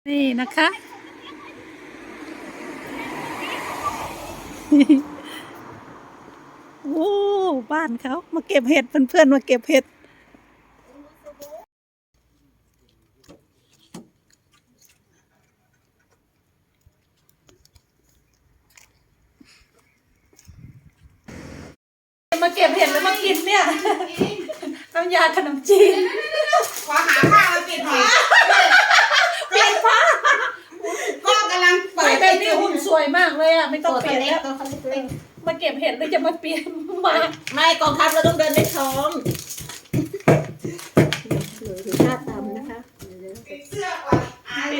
นี่นะคะ โอ้บ้านเขามาเก็บเห็ดเพื่อนๆมาเก็บเห็ดมาเก็บเห็ดแล้วมากินเนี่ยน้ำยาขนมจีนขอหาผ้ามาปิดหน่อยเปลี่ยนผ้าก็กำลังเปิดแบบนี้หุ่นสวยมากเลยอ่ะไม่ต้องเปลี่ยนแล้วมาเก็บเห็ดแล้วจะมาเปลี่ยนมาไม่กองทัพเราต้องเดินในท้องดูท่าตามนะคะปิดเสื้อก่อน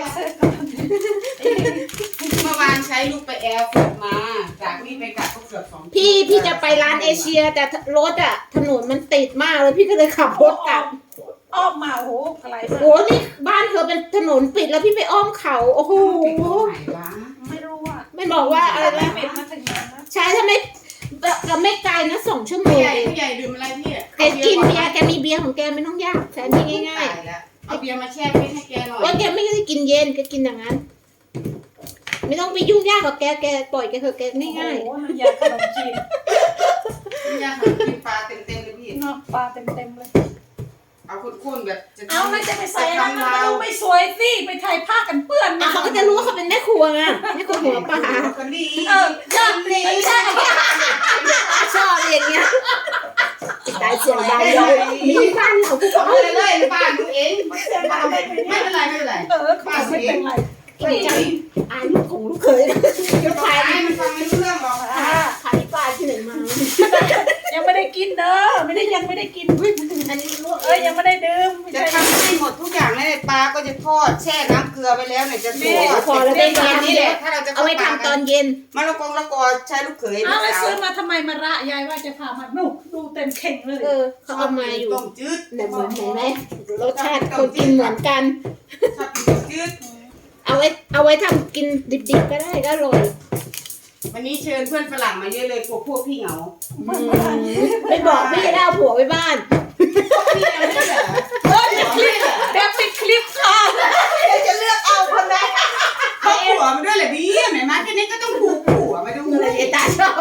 เมื่อวานใช้ลูกไปแอร์ฝึกมาจากนี่ไปกลับก็เกือบ2 พี่จะไปร้านเอเชียแต่รถอ่ะถนนมันติดมากเลยพี่ก็เลยขับรถกลับอ้อมมาโหอะไรโหนี่บ้านเธอเป็นถนนปิดแล้วพี่ไปอ้อมเขาโอ้โหไม่รู้อ่ะไม่บอกว่าอะไรนะปิดมาถึงนั้นนะใช่ถ้าไม่ไกลนะ2 ชั่วโมงใหญ่ดื่มอะไรพี่แกกินเบียร์แกมีเบียร์ของแกไม่ต้องยากแสนที่ง่ายๆเอาเบียร์มาแช่ฟรีซให้แกหน่อยว่าแกไม่ได้กินเย็นแกกินอย่างนั้นไม่ต้องไปยุ่งยากกับแกปล่อยแกเถอะแกง่ายโอ้ยาขนมจีนยาขนมจีนปลาเต็มเลยพี่เนาะปลาเต็มเลยเอาข้นๆแบบเอาแล้วจะไปใส่อะไรมันดูไม่สวยสิไปถ่ายผ้ากันเปื้อนเขาก็จะรู้ว่าเขาเป็นแม่ครัวไงแม่ครัวหัวปลาคนดียอดเลยใช่ชอบอย่างเงี้ยได้เสียงดังเลยมีบ้านเราเอาเลยบ้านดูเองไม่เป็นไรบ้านไม่เป็นไรอายลูกของลูกเคยเดี๋ยวถ่ายให้มันฟังไม่รู้เรื่องหรอกขายปลาที่ไหนมายังไม่ได้กินเด้อยังไม่ได้กินอันนี้ลูกยังไม่ได้ดื่มจะทำให้หมดทุกอย่างเลยปลาก็จะทอดแช่น้ำเกลือไปแล้วเนี่ยจะทอดพอแล้วได้เย็นนี่แหละถ้าเราจะเอาไว้ทำตอนเย็นมะละกอใช้ลูกเขยเอาแล้วซื้อมาทำไมมาระยายว่าจะพามาดูเต็มเข่งเลยเขาเอามาอยู่ต้มจืดแต่เหมือนเห็นไหมรสชาติคนกินเหมือนกันชอบกินต้มจืดเอาไว้ทำกินดิบๆก็ได้ก็อร่อยวันนี้เชิญเพื่อนฝรั่งมาเยอะเลยพวกพี่เหงาไม่บอกพี่จะได้เอาผัวไปบ้านพี่อะไรไม่เหรอเดี๋ยวปิดคลิปค่ะจะเลือกเอาคนไหนเขาผัวมาด้วยเหรอพี่แม่มาแค่นี้ก็ต้องผูกผัวมาดูเลยตาชอบ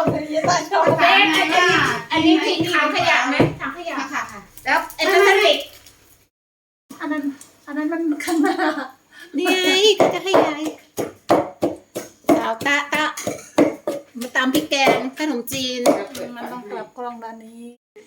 อันนี้ทิ้งถังขยะไหมถังขยะค่ะแล้วไอ้พลาสติกอันนั้นมันข้างหน้านี่ไงก็จะให้ยายเอาตะมาตำพริกแกงขนมจีนมันต้องกลับกล้องด้านนี้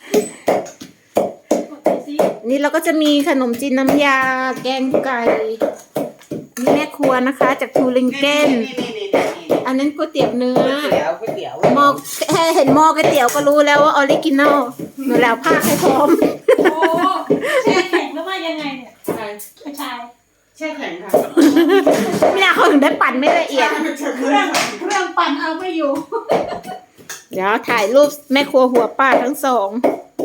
นี่เราก็จะมีขนมจีนน้ำยาแกงไก่นี่แม่ครัวนะคะจากทูริงเกนอันนั้นก๋วยเตี๋ยวเนื้อหม้อแค่เห็นหม้อก๋วยเตี๋ยวก็รู้แล้วว่าออริจินอลหนูแล้วผ้าให้พร้อมโอ้แช่แข็งแล้วว่ายังไงเนี่ยชายแช่แข็งค่ะไม่น่าเขาถึงได้ปั่นไม่ละเอียดเครื่องปั่นเอาไม่อยู่เดี๋ยวถ่ายรูปแม่ครัวหัวป้าทั้งสอง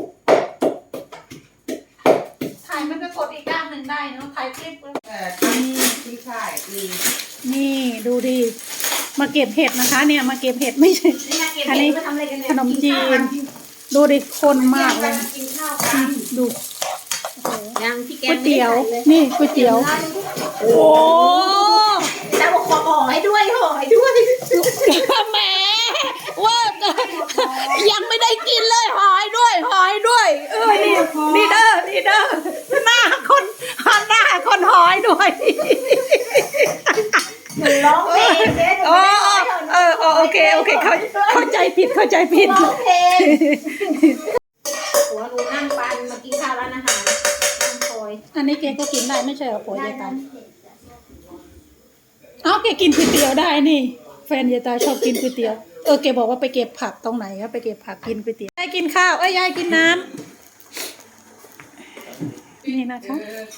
ถ่ายมันก็กดอีกด้านหนึ่งได้เนาะถ่ายคลิปนี่ใช่นี่ดูดิมาเก็บเห็ดนะคะเนี่ยมาเก็บเห็ดไม่ใช่อันนี้ขนมจีนดูดิคนมากเลยดูก๋วยเตี๋ยวนี่ก๋วยเตี๋ยวโอ้แต่บอกขอห่อให้ด้วยแหมว่ายังไม่ได้กินเลยหอยด้วยนี่เด้อหน้าคนหอยด้วยร้องเพลงโอเคเข้าใจผิดร้องเพลงหัวหนูนั่งปันมากินข้าวร้านอาหารนั่งคอยอันนี้แกก็กินได้ไม่ใช่เหรอผัวยายตาแกกินก๋วยเตี๋ยวได้นี่แฟนยายตาชอบกินก๋วยเตี๋ยวแกบอกว่าไปเก็บผักตรงไหนครับไปเก็บผักกินก๋วยเตี๋ยวยายกินข้าวยายกินน้ำนี่นะคะ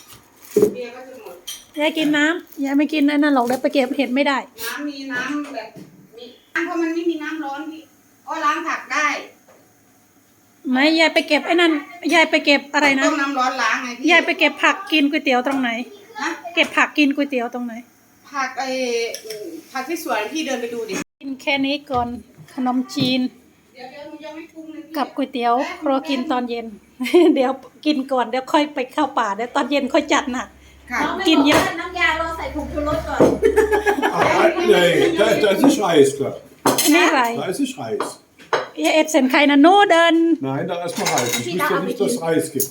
ยายกินน้ำยายไม่กินนั่นหรอกแล้วไปเก็บเห็ดไม่ได้มีน้ำแบบมีเพราะมันไม่มีน้ำร้อนพี่ล้างผักได้ไม่ยายไปเก็บไอ้นั่นยายไปเก็บอะไรนะต้มน้ำร้อนล้างไงพี่ยายไปเก็บผักกินก๋วยเตี๋ยวตรงไหนเก็บผักกินก๋วยเตี๋ยวตรงไหนผักที่สวนพี่เดินไปดูดิกินแค่นี้ก่อนขนมจีนกับก๋วยเตี๋ยวรอกินตอนเย็น เดี๋ยวกินก่อนเดี๋ยวค่อยไปเข้าป่าเดี๋ยวตอนเย็นค่อยจัดน่ะค่ะกินเยอะน้ำยาเราใส่ผงชูรสก่อน Nee, dat is Reis. Klaar. นี่อะไร Dat is Reis. เอ็ดเซนไข่นะโนเดิน Nein, da ist noch Reis. Ich wusste nicht, dass es Reis gibt.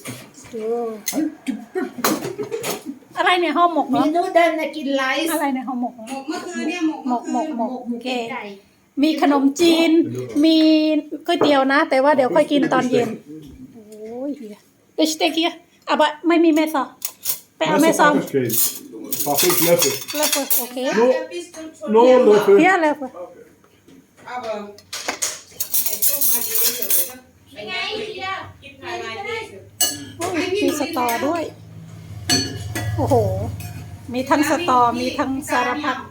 อะไรเนี่ยห่อหมกมีเนาะนูเดิลนะกินไรซ์อะไรเนี่ยห่อหมกหมกเมื่อคืนเนี่ยหมกหมกโอเคมีขนมจีน มีก๋วยเตี๋ยวนะ แต่ว่าเดี๋ยวค่อยกินตอนเย็น โอ้ยเฮียเดี๋ยวสเต็กเฮียอ่ะบะไม่มีแม่ซอไปเอาแม่ซอ Messer pak ik geen. Pak 5 Löffel. แล้วก็โอเค No Löffel. เฮียแล้วก็เอาเบอร์ไอ้ต้มมากินเฉยๆนะยังไงเฮียกินภายในนี่โอ้ยมีสตอด้วย โอ้โห มีทั้งสตอ มีทั้งสารพัด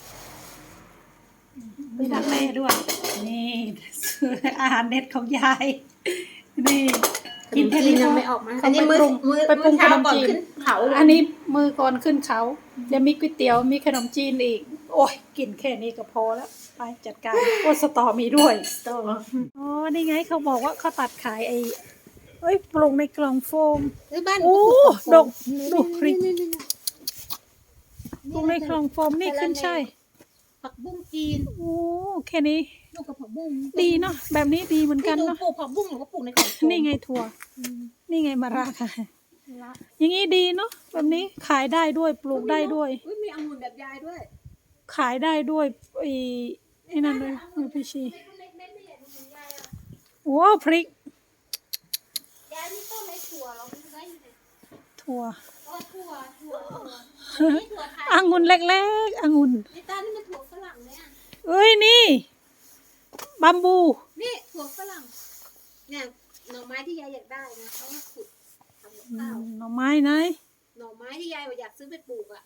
มีดักแม่ด้วย นี่ อาหารเด็ดของยาย นี่ กินแค่นี้ยังก็ไม่ออกมาอันนี้มือ ไปปรุงขนมจีนเขาอันนี้มือก่อนขึ้นเขาเดี๋ยวมีก๋วยเตี๋ยว มีขนมจีนอีก โอ้ย กินแค่นี้ก็พอแล้ว ไปจัดการ โอ้สตอมีด้วยสตออ๋อ นี่ไงเขาบอกว่าเขาตัดขายไอ้เอ้ยปรุงในกล่องโฟมบ้านโอ้ดกดูพริกนี่ปรุงในกล่องโฟมนี่ขึ้นใช่ายผักบุ้งจีนโอ้แค่นี้ลูกกับผักบุ้งดีเนาะแบบนี้ดีเหมือนกันดูเนาะปลูกผักบุ้งหรือว่าปลูกในกล่องโฟมนี่ไงถั่ว นี่ไงมะระค่ะ อย่างนี้ดีเนาะแบบนี้ขายได้ด้วยปลูกได้ด้วยอุ๊มีองุ่นแบบยายด้วยขายได้ด้วยไอ้นั่นเลยมือพี่ชีว้าวพริกยายนี่ต้นในถั่วเราไม่ได้อยู่ในถั่วถั่วองุ่นเล็กๆองุ่นในตานี่มันถั่วฝรั่งเนี่ยเอ้ยนี่บัมบูนี่ถั่วฝรั่งเนี่ยหน่อไม้ที่ยายอยากได้นะเขามาขุดทำกับข้าวหน่อไม้ไหนหน่อไม้ที่ยายอยากซื้อไปปลูกอ่ะ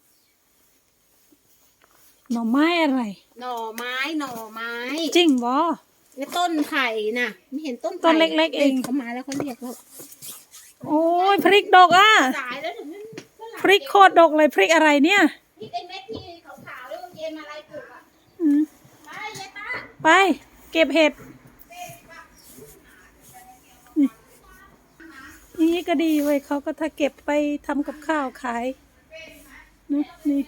หน่อไม้อะไรหน่อไม้จริงบ่ในต้นไผ่น่ะไม่เห็นต้นไผ่ต้นเล็กๆเองเขามาแล้วเขาเรียกแล้วโอ้ยพริกดกอ่ะสายแล้วถึงนั้นฝงพริกโคตรดกเลยพริกอะไรเนี่ยพริกไอ้เม็ดที่ขาวๆแล้วเย็นมาอะไรปลูกอ่ะอืมไปยายป้าไปเก็บเห็ดนี่ก็ดีเว้ยเขาก็ถ้าเก็บไปทำกับข้าวขายนี่นี่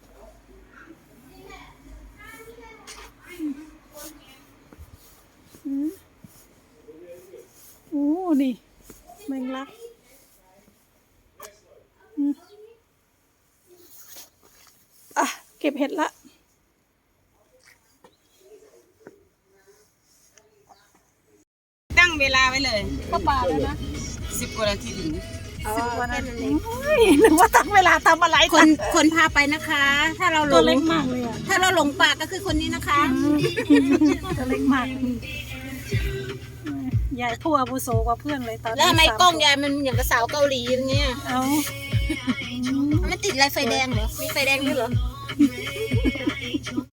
อืมโอ้นี่แมงลักอืมอ่ะเก็บเห็ดละตั้งเวลาไว้เลยเข้าป่าแล้วนะ 10 กว่านาทีถึง 10 กว่านาทีนึกว่าตั้งเวลาทำอะไรคนพาไปนะคะ ถ้าเราหลตัวงเล็กมากเลยอ่ะถ้าเราหลงป่าก็คือคนนี้นะคะตัวเล็กมากยายผู้อาวุโสกว่าเพื่อนเลยตอนนี้แล้วทำไม 3 กล้องยายมันอย่างกับสาวเกาหลีอย่างเงี้ยเอามันติดอะไรไฟแดงเหรอ มีไฟแดงด้วยเหรอ